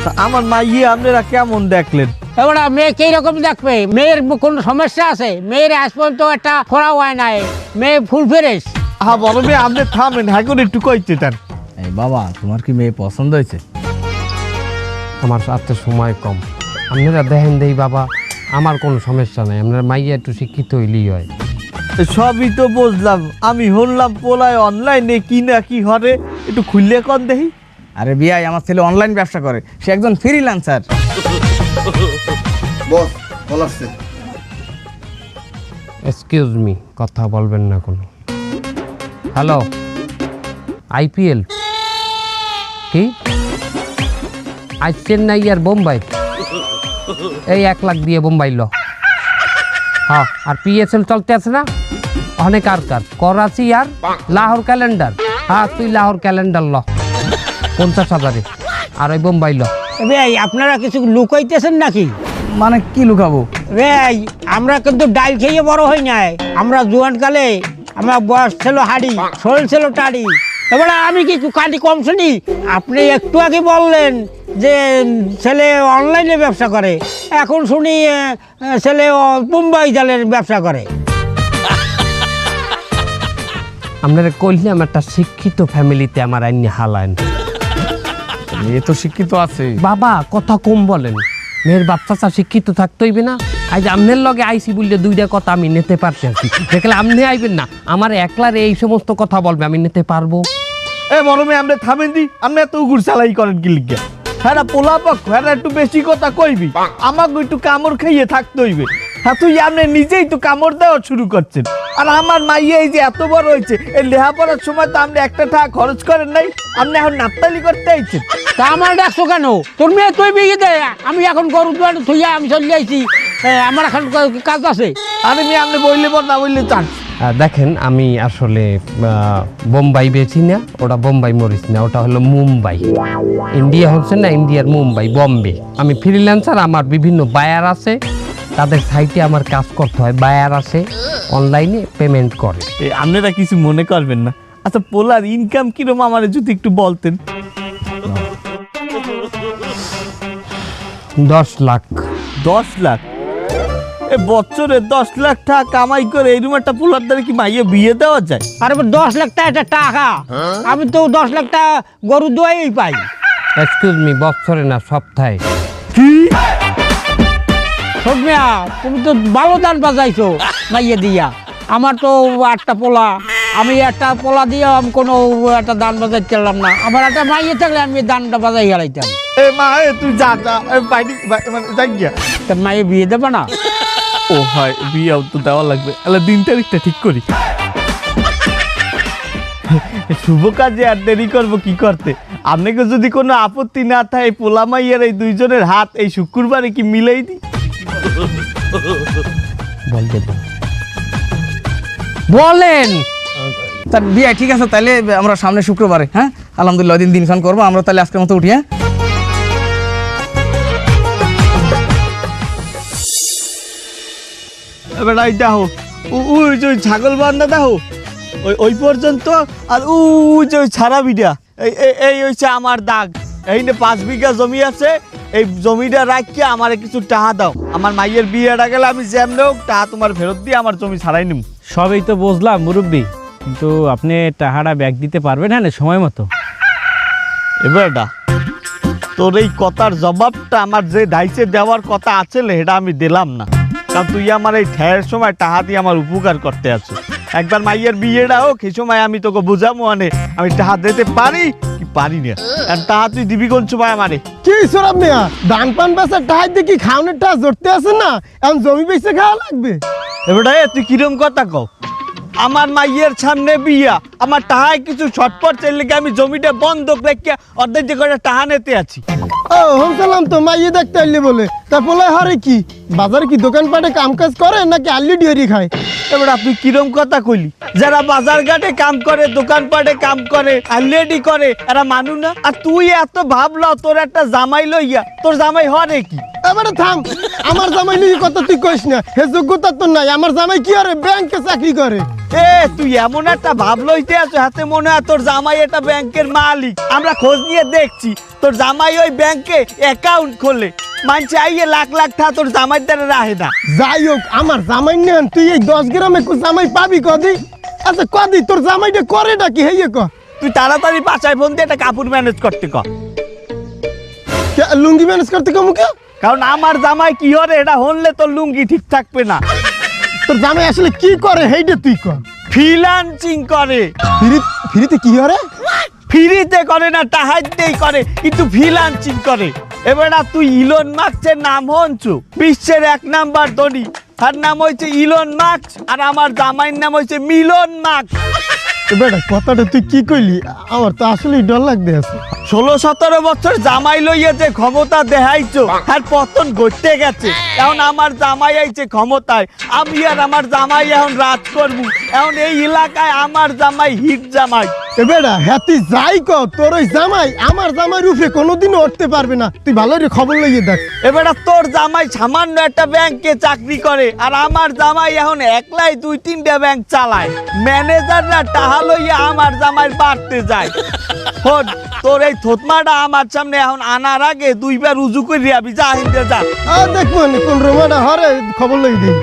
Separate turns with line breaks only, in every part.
আমার মাইয়ে আপনারা কেমন দেখলেন?
এবার মেয়ে কি রকম দেখবে? মেয়ের কোনো সমস্যা আছে? মেয়ের আজ পর্যন্ত একটা ফোড়া হয় নাই, মেয়ে ফুল ফ্রেশ।
হ্যাঁ বড় মেয়ে, আপনি থামেন, হ্যাঁ করে একটু কইতে চান।
এই বাবা, তোমার কি মেয়ে পছন্দ হয়েছে?
আমার হাতে সময় কম, আপনারা দেখেন দেই বাবা, আমার কোনো সমস্যা নাই, আপনার মাইয়া একটু শিক্ষিত হইলেই হয়।
সবই তো বুঝলাম, আমি শুনলাম পোলায় অনলাইনে কি না কি হরে, একটু খুললে কন দেখি।
আরে বিয়াই, আমার ছেলে অনলাইন ব্যবসা করে, সে একজন ফ্রিল্যান্সার।
বস কল আসছে।
এক্সকিউজ মি, কথা বলবেন না কোনো। হ্যালো, আইপিএল কি আজ চেন্নাই আর বোম্বাই? এই 1 লাখ দিয়ে বোম্বাই ল। হ্যাঁ, আর পিএসএল চলতে আছে না, অনেক আর করাচি আর লাহোর ক্যালেন্ডার। হ্যাঁ, তুই লাহোর ক্যালেন্ডার ল 50,000-এ, আর ওই বোম্বাই ল।
ভাই আপনারা কিছু লুকাইতেছেন নাকি?
মানে কি লুকাবো?
ভাই আমরা কিন্তু ডাল খেয়ে বড় হই নাই। আমরা জোয়ান কালে আমার বয়স ছিল হাড়ি, শরীর ছিল টাড়ি। এবারে আমি কি কাটি কম শুনি? আপনি একটু আগে বললেন যে ছেলে অনলাইনে ব্যবসা করে, এখন শুনি ছেলে মুম্বাই জালের ব্যবসা করে।
আপনারা কইলাম একটা শিক্ষিত ফ্যামিলিতে আমার আইনি হালায়ন।
মেয়ে তো শিক্ষিত আছে
বাবা, কথা কম বলেন। মেয়ের বাচ্চা শিক্ষিত থাকতে হইবে না? আজ আমনের লগে আইসি বললে 2টা কথা আমি নিতে পারছি আর কি। দেখলে আপনি আইবেন না, আমার একলার এই সমস্ত কথা বলবে, আমি নিতে পারবো?
এ বড় মেয়ে, আপনি থামেন দি, আপনি এত উগুর চালাই করেন কি লিখে? হ্যাঁ পোলা পক্ষ, হ্যাঁ একটু বেশি কথা কইবি, আমাকে একটু কামড় খাইয়ে থাকতে হইবে। হ্যাঁ তুই আপনি নিজেই তো কামড় দেওয়া শুরু করছেন। আর আমার মাইয়া এই যে এত বড় হয়েছে, এই লেখাপড়ার সময় তো আপনি একটা টাকা খরচ করেন নাই, আপনি এখন নাপতালি করতে আইছেন।
তা আমার ডাকছো কেন? তোর মেয়ে তুই বিয়ে দে, আমি এখন গরু দুয়ারে থইয়া আমি চলে যাইছি, আমার এখন কাজ আছে।
আরে মেয়ে, আপনি বললে বল, না বললে চান।
দেখেন, আমি আসলে বোম্বাই বেচি না, ওটা বোম্বাই মরিচ না, ওটা হলো মুম্বাই। ইন্ডিয়া হচ্ছে না, ইন্ডিয়ার মুম্বাই, বম্বে। আমি ফ্রিল্যান্সার, আমার বিভিন্ন বায়ার আছে, তাদের সাইটে আমার কাজ করতে হয়। বায়ার আছে, অনলাইনে পেমেন্ট করে।
আপনারা কিছু মনে করবেন না। আচ্ছা, পোলার ইনকাম কিরকম আমার যদি একটু বলতেন।
10 লাখ।
10 লাখ? এ বছরে 10 লাখ টাকা কামাই করে এই রুম একটা পোলার দ্বারা কি মাইয়ে বিয়ে দেওয়া যায়?
আর 10 লাখ টাকা টাকা, আমি তো 10 লাখ টাকা গরু দুয়াই পাই।
এক্সকিউজ মি, বছরে না, সপ্তাহে।
কি?
সৌমিয়া, তুমি তো ভালো দান বাজাইছো মাইয়ে দিয়া। আমার তো 8টা পোলা, আমি একটা পোলা দিয়ে আমি কোনো একটা দান বাজাইতে পারলাম না। আমার একটা মাইয়ে থাকলে আমি দানটা বাজাই হারাইতাম।
এ মা, তুই যা যা, বাইরে মানে যাই গিয়া।
তা মাইয়ে বিয়ে দেবে না?
ও হয়, বিয়েও তো দেওয়া লাগবে। তাহলে দিন তারিখটা ঠিক করি। শুভ কাজে আর দেরি করবো কি করতে? আপনাকে যদি কোনো আপত্তি না থাকে, পোলা মাইয়ার এই দুইজনের হাত এই শুক্রবারে কি মিলাই দিই?
বলেন।
তার বিয়াই ঠিক আছে, তাহলে আমরা সামনে শুক্রবারে, হ্যাঁ আলহামদুলিল্লাহ দিনখান করবো আমরা। তাহলে আজকের মতো উঠি। হ্যাঁ
এবার দেখো, ওই যে ছাগল বান্ধা দেখো, ওই পর্যন্ত। আর ওই যে ওই ছাড়া বিটা, এই হচ্ছে আমার দাগ। এই 5 বিঘা জমি আছে, এই জমিটা রাখিয়ে আমার কিছু টাকা দাও। আমার মাইয়ের বিয়েটা গেলে আমি যেমন হোক টাকা তোমার ফেরত দিয়ে আমার জমি ছাড়াই নিব।
সবই তো বুঝলাম মুরব্বী, কিন্তু আপনি টাকাটা ব্যাক দিতে পারবেন হ্যাঁ সময় মতো?
এবারটা তোর এই কথার জবাবটা আমার যে দায়িত্বে দেওয়ার কথা আছে সেটা আমি দিলাম না, কারণ তুই আমার এই ঠেয়ের সময় টাকা দিয়ে আমার উপকার করতে আছো। একবার মাইয়ের বিয়েটা হোক, এই সময় আমি তোকে বুঝাবো মানে আমি টাকা দিতে পারি কি পারি না। আর টাকা তুই দিবি কোন সময় আমারে?
কি সরব মিয়া, ধান পান বেচার টাকা দিয়ে কি খাওয়ানোর টাকা জড়তে আছে না? এখন জমি বেচে খাওয়া লাগবে।
এবারে তুই কিরম কথা কও? আমার মাইয়ের সামনে বিয়া, আমার টাহায় কিছু ছটপট চাইলে আমি জমিটা বন্ধক রেখে অর্ধেক যে করে টাহা নিতে আছি।
ও হোমসালাম তো মাইয়ে দেখতে আইলে বলে, তা বলে হরে কি বাজারে কি দোকানপাটে কাম কাজ করে নাকি আল্লি ডিয়ারি খায়?
এবার আপনি কিরম কথা কইলি? যারা বাজার ঘাটে কাম করে, দোকানপাটে কাম করে, আলরেডি করে, এরা মানু না? আর তুই এত ভাবলো তোর একটা জামাই লইয়া, তোর জামাই হরে কি?
এবারে থাম, আমার জামাই নিয়ে কথা তুই কইস না, হে যোগ্যতা তো নাই। আমার জামাই কি আরে ব্যাংকে চাকরি করে।
এ তুই এমন একটা ভাব লইতে আছো, হাতে মনে হয় তোর জামাই একটা ব্যাংকের মালিক। আমরা খোঁজ নিয়ে দেখছি তোর জামাই ওই ব্যাংকে অ্যাকাউন্ট খোলে, মানছে আইয়ে লাখ লাখ টাকা তোর জামাইয়ের দ্বারা রাহে না।
যাই হোক আমার জামাই নেন, তুই এই 10 গ্রামে জামাই পাবি কদি? আচ্ছা কদি তোর জামাইটা করে নাকি হেয়ে ক?
তুই তাড়াতাড়ি বাসায় ফোন দিয়ে একটা কাপড় ম্যানেজ করতে কর,
লুঙ্গি ম্যানেজ করতে কমু কে?
কারণ আমার জামাই কি হরে এটা হনলে তোর লুঙ্গি ঠিক থাকবে না।
তোর জামাই আসলে কি করে হেইটা তুই কর।
ফ্রিল্যান্সিং করে।
ফ্রিতে কি হরে?
ফ্রিতে করে না, টাহাইতেই করে, কিন্তু ফ্রিল্যান্সিং করে। এবার তুই ইলন মাস্কের নাম হনছু, বিশ্বের 1 নাম্বার ধনী, তার নাম হয়েছে ইলন মাস্ক, আর আমার জামাইয়ের নাম হয়েছে মিলন মাস্ক।
বেটা কথাটা তুই কি কইলি? আমার তো আসলেই ডর লাগতে আছে।
16-17 বছর জামাই লইয়া যে ক্ষমতা দেখাইছো আর পতন ঘটতে গেছে, এখন আমার জামাই আইছে ক্ষমতায়, আমি আর আমার জামাই এখন রাজ করবো। এখন এই এলাকায় আমার জামাই হিট জামাই।
বেটা হ্যাঁ তুই যাই ক, তোর ওই জামাই আমার জামাই রূপে কোনোদিনও উঠতে পারবে না। তুই ভালো করে খবর লইয়ে দেখ।
এবার তোর জামাই সামান্য একটা ব্যাংকে চাকরি করে, আর আমার জামাই এখন একলাই 2-3টা ব্যাংক চালায়। ম্যানেজাররা টাহা লইয়া আমার জামাই বাড়তে যায়। হন তোর এই থতমাটা আমার সামনে এখন আনার আগে 2বার উজু করে আবি, যা হিন্দে যা।
দেখবো কোন রোমাটা হরে খবর লইয়ে দিই।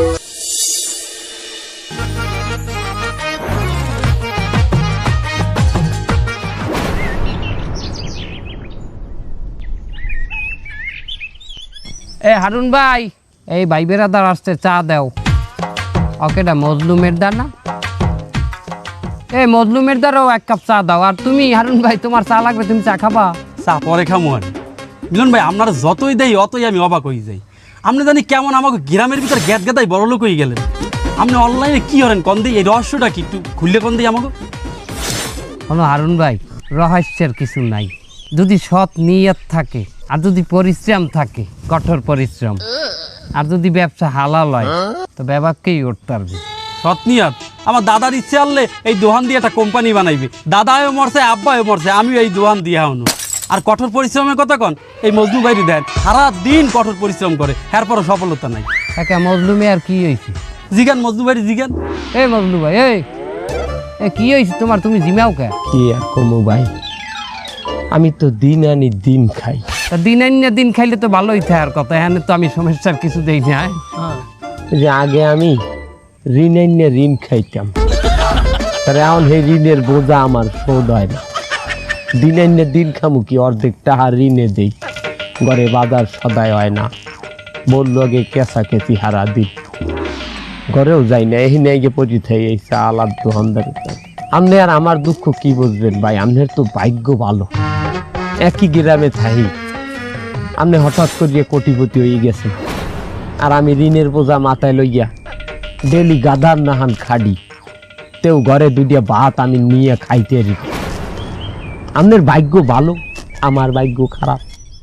এ হারুন ভাই, এই ভাই বেড়াদার আসতে চা দাও। ওকেটা মজলুমের দা না? এ মজলুমের দ্বারাও 1 কাপ চা দাও। আর তুমি হারুন ভাই, তোমার চা লাগবে, তুমি চা খাবা?
চা পরে খামো আর মিলন ভাই, আপনারা যতই দেই অতই আমি অবাক হয়ে যাই। আপনি জানি কেমন আমাকে গ্রামের ভিতর গ্যাদ গেদাই বড় লোক হয়ে গেলেন। আপনি অনলাইনে কি করেন কন দিই, এই রহস্যটা কি একটু খুললে কন দিই আমাকে।
কোনো হারুন ভাই, রহস্যের কিছু নাই। যদি সৎ নিয়ত থাকে, আর যদি পরিশ্রম থাকে, কঠোর পরিশ্রম, আর যদি ব্যবসা হালাল হয়, তো ব্যবসাকেই উঠতে পারবে।
সৎনিয়াত আমার দাদার ইচ্ছে আনলে এই দোকান দিয়ে একটা কোম্পানি বানাইবে। দাদাও মরছে, আব্বাও মরছে, আমিও এই দোকান দিয়ে হনো। আর কঠোর পরিশ্রমের কথা কন, এই মজনু ভাইরি দেন সারা দিন কঠোর পরিশ্রম করে, এরপরও সফলতা নাই।
একা মজলুমে আর কি হয়েছে?
জিগান মজনু ভাইরি জিগান।
এই মজলু ভাই, এই কি হয়েছে তোমার? তুমি জিমাও কে?
কি আর কমু ভাই, আমি তো দিন আনি দিন খাই।
তা দিন আনিয়া দিন খাইলে তো ভালোই থাকার কথা। এখানে তো আমি সমস্যার কিছু দেই না।
যে আগে আমি ঋণ আনিয়ে ঋণ খাইতাম, তাহলে এখন সেই ঋণের বোঝা আমার শোধ হয় না। দিন আনিয়ে দিন খামু কি, অর্ধেক টাকা ঋণে দেই, ঘরে বাজার সদাই হয় না, বললো আগে কেঁচা কেঁচি হারা দিন, ঘরেও যাই না। এই নিয়ে গিয়ে পচি থাই এই চাল আর দোকানদার। আপনি আর আমার দুঃখ কি বুঝবেন ভাই, আপনার তো ভাগ্য ভালো, একই গ্রামে থাকি, আপনি হঠাৎ করিয়ে কোটিপতি হয়ে গেছেন, আর আমি ঋণের বোঝা মাথায় লইয়া ডেলি গাদার নাহান খাডি, তেও ঘরে 2টা ভাত আমি নিয়ে খাইতে রি। আপনার ভাগ্য ভালো, আমার ভাগ্য খারাপ।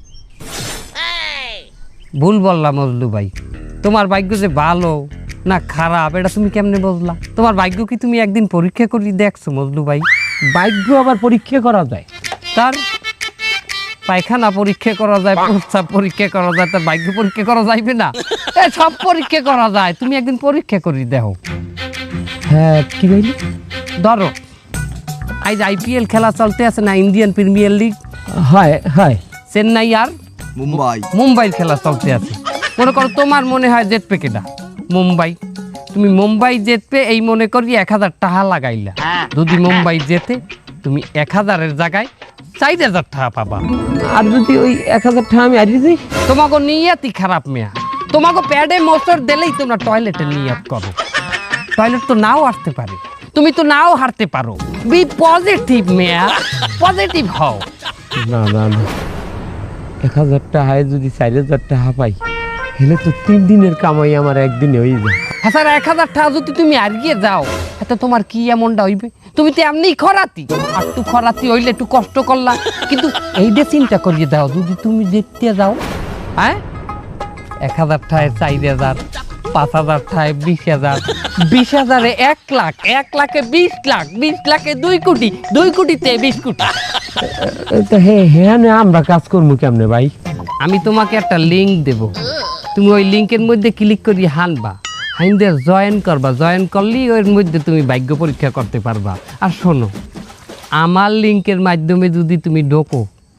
ভুল বললাম মজলু ভাই। তোমার ভাগ্য যে ভালো না খারাপ এটা তুমি কেমনে বুঝলা? তোমার ভাগ্য কি তুমি একদিন পরীক্ষা করে দেখছো মজলু ভাই?
ভাগ্য আবার পরীক্ষা করা যায়?
তার পায়খানা পরীক্ষা করা যায়, প্রস্রাব পরীক্ষা করা যায়, তার ভাগ্য পরীক্ষা করা যাইবে না? সব পরীক্ষা করা যায়, তুমি একদিন পরীক্ষা করে দেখো।
হ্যাঁ কি বলি?
ধরো আজ IPL খেলা চলতে আছে না, ইন্ডিয়ান প্রিমিয়ার লিগ।
হয় হয়।
চেন্নাই আর মুম্বাইয়ের খেলা চলতে আছে। মনে করো তোমার মনে হয় জেতবে কেটা? মুম্বাই। তুমি মুম্বাই জেতবে এই মনে করি 1000 টাকা লাগাইলা। যদি মুম্বাই জেতে, তুমি 1000-এর জায়গায় 4000 টাকা পাবা।
আর যদি ওই 1000 টাকা আমি হারিয়ে যাই?
তোমাকে নিয়তই খারাপ মেয়া। তোমাকে প্যাডে মোচড় দিলেই তোমরা টয়লেটে নিয়ত করো। টয়লেট তো নাও আসতে পারে, তুমি তো নাও হারতে পারো। বি পজিটিভ মেয়া, পজিটিভ হও।
না না না, 1000 টাকায় যদি 4000 টাকা পাই, হেলে তো 3 দিনের কামাই আমার একদিনে হয়ে যায়।
হ্যাঁ স্যার, 1000 টাকা যদি তুমি হারিয়ে যাও, এতে তোমার কি এমনটা হইবে? তুমি তো এমনি খরাতি, আর একটু খরাতি হইলে একটু কষ্ট করলা, কিন্তু এইটা চিন্তা করিয়ে দাও, যদি তুমি জিততে যাও, হ্যাঁ 1000 টাকায় 4000, 5000 টাকায় 20,000, 20,000-এ 1 লাখ, 1 লাখে 20 লাখ, 20 লাখে 2 কোটি, 2 কোটিতে 20 কোটি।
তো হ্যাঁ না, আমরা কাজ করবো কেমনে ভাই?
আমি তোমাকে একটা লিঙ্ক দেব, তুমি ওই লিঙ্কের মধ্যে ক্লিক করি হানবা, হাইন্দে জয়েন করবা, জয়েন করলেই ওর মধ্যে তুমি ভাগ্য পরীক্ষা করতে পারবা। আর শোনো, আমার লিঙ্কের মাধ্যমে যদি তুমি ঢোকো,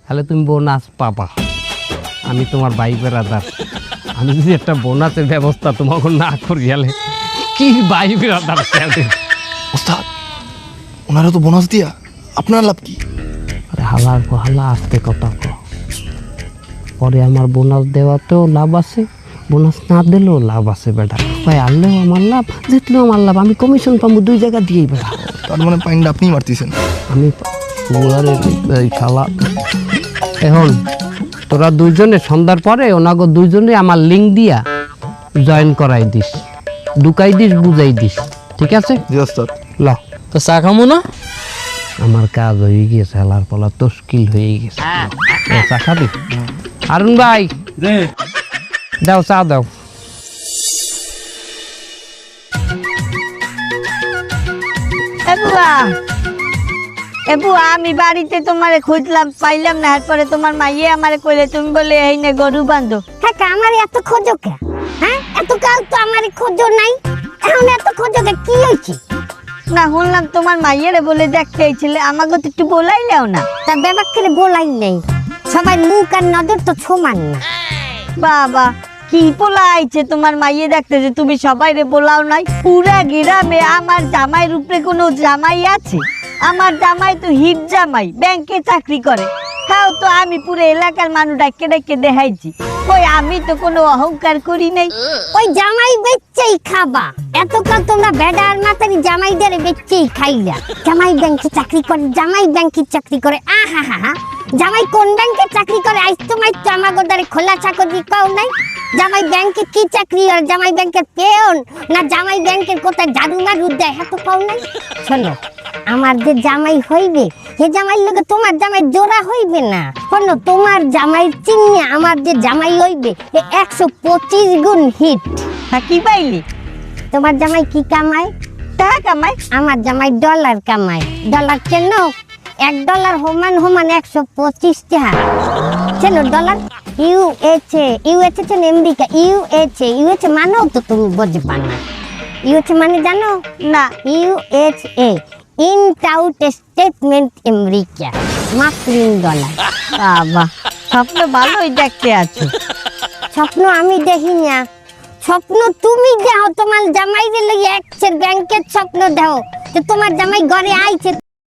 তাহলে তুমি বোনাস পাবা। আমি তোমার ভাই বেড়াদার, আমি যদি একটা বোনাসের ব্যবস্থা তোমাকে না করি গেলে কি ভাই বেড়াদার
ওস্তাদ ওনারা তো বোনাস দিয়া আপনার লাভ কি?
হালার হালা আসতে কথা কও। পরে আমার বোনাস দেওয়াতেও লাভ আছে, বোনাস না দিলেও লাভ আছে বেটা। ভাই আনলেও আমার লাভ, জিতলেও আমার লাভ। আমি কমিশন পাবো 2 জায়গা দিয়েই বেটা।
তার মানে পাইনটা আপনিই মারতেছেন।
আমি এই শালা। এখন তোরা দুইজনে সন্ধ্যার পরে ওনাগো দুইজনে আমার লিঙ্ক দিয়া জয়েন করাই দিস, ঢুকাই দিস, বুঝাই দিস, ঠিক আছে?
জি ওস্তাদ।
ল
তো চা খামো না?
আমার কাজ হয়ে গেছে, হেলার পলা তস্কিল হয়ে গেছে। চা খাবি? হারুন ভাই দাও চা দাও।
বুয়া আমি বাড়িতে তোমারে খুঁজলাম, পাইলাম না। এরপরে তোমার মাইয়ে আমারে কইলে তুমি বলে এই নে গরু বান্ধো।
হ্যাঁ আমার এত খোঁজো কে? হ্যাঁ এত কাল তো আমার খোঁজো নাই, এখন এত খোঁজো কে? কি হয়েছে?
না শুনলাম তোমার মাইয়েরে বলে দেখতে এইছিলে, আমাকে তো একটু বলাইলেও না।
তা ব্যাপার করে বলাই নেই, সবাই মুখ আর নজর তো সমান না।
বাবা কি পোলা আইছে তোমার মাইয়ে দেখতে যে তুমি সবাইরে বলাও নাই? পুরা গ্রামে আমার জামাইয়ের উপরে কোনো জামাই আছে? আমার জামাই তো হিট জামাই, ব্যাংকে চাকরি করে। তাও তো আমি পুরো এলাকার মানুষ ডাকে ডাকে দেখাইছি। কই আমি তো কোনো অহংকার করি নাই।
ওই জামাই বেচছেই খাবা, এতকাল তোমরা বেড়ার মাতারি জামাইদের বেচছেই খাইলা। জামাই ব্যাংকে চাকরি করে, জামাই ব্যাংকে চাকরি করে। আহা হা হা, জামাই কোন ব্যাংকে চাকরি করে? আজ তোমার জামাগোদারে খোলা চাকরি পাও নাই? জামাই ব্যাংকে কি চাকরি? আর জামাই ব্যাংকের পেয়ন না জামাই ব্যাংকের কোথায় জাদু মারু দেয়, হ্যাঁ তো পাও নাই? শোনো, আমার যে জামাই হইবে হে জামাই লোকে তোমার জামাই জোড়া হইবে না। শোনো, তোমার জামাই চিনিয়ে আমার যে জামাই হইবে 125 গুণ হিট।
হ্যাঁ কি পাইলি?
তোমার জামাই কি কামায়?
টাকা কামায়।
আমার জামাই ডলার কামায়। ডলার কেন? $1 সমান 125 টাকা। চেনো ডলার? ইউএসএ, ইউএসএ চেন আমেরিকা, ইউএসএ মানেও তো তুমি বুঝবা না। ইউএসএ মানে জানো
না।
ইউএসএ ইনট আউট স্টেটমেন্ট আমেরিকা, মার্কিন ডলার।
বাবা স্বপ্ন ভালোই দেখতে আছো।
স্বপ্ন আমি দেখি না, স্বপ্ন তুমি দেখো। তোমার জামাই রে ব্যাংকের স্বপ্ন দেখো যে তোমার জামাই ঘরে আইছে।